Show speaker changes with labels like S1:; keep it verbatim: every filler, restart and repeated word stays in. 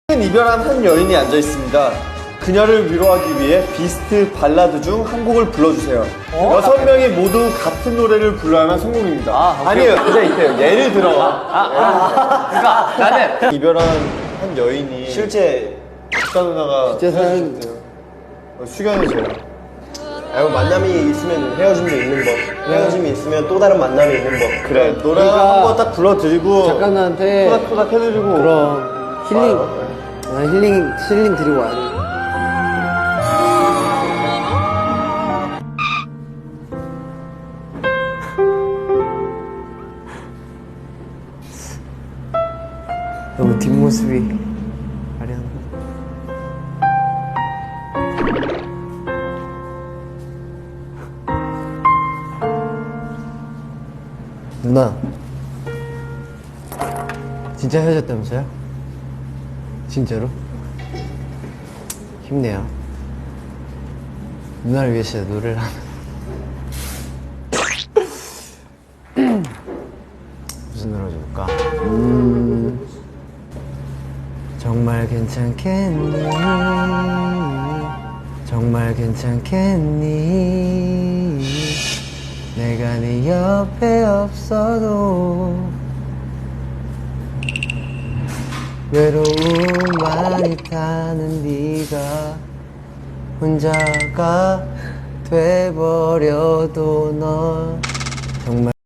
S1: 이별한 한 여인이 앉아 있습니다. 그녀를 위로하기 위해 비스트 발라드 중 한 곡을 불러주세요.
S2: 어?
S1: 여섯 명이 모두 같은 노래를 불러야만 성공입니다.
S2: 아, 오케이.
S1: 아니에요, 그냥 있대요. 예를 들어.
S2: 아, 아, 그러니까 나는
S1: 이별한 한 여인이
S3: 실제
S1: 작가 누나가
S3: 실제 사연-
S1: 헤어졌대요. 어, 수경이 제가.
S3: 알고 만남이 있으면 헤어짐도 있는 법, 헤어짐이 있으면 또 다른 만남이 있는 법.
S1: 그래, 노래
S4: 그러니까
S1: 한 번 딱 불러드리고
S4: 작가님한테
S1: 토닥토닥 해드리고
S4: 그럼 힐링
S1: 와요.
S4: 아, 힐링 힐링 드리고 와야 돼. 너무 뒷모습이 아련하다. 누나 진짜 헤어졌다면서요? 진짜로? 힘내요. 누나를 위해서 노래를 하는. 무슨 노래 줄까? 음, 정말 괜찮겠니? 정말 괜찮겠니? 내가 네 옆에 없어도 외로움 많이 타는 네가 혼자가 돼버려도 넌 정말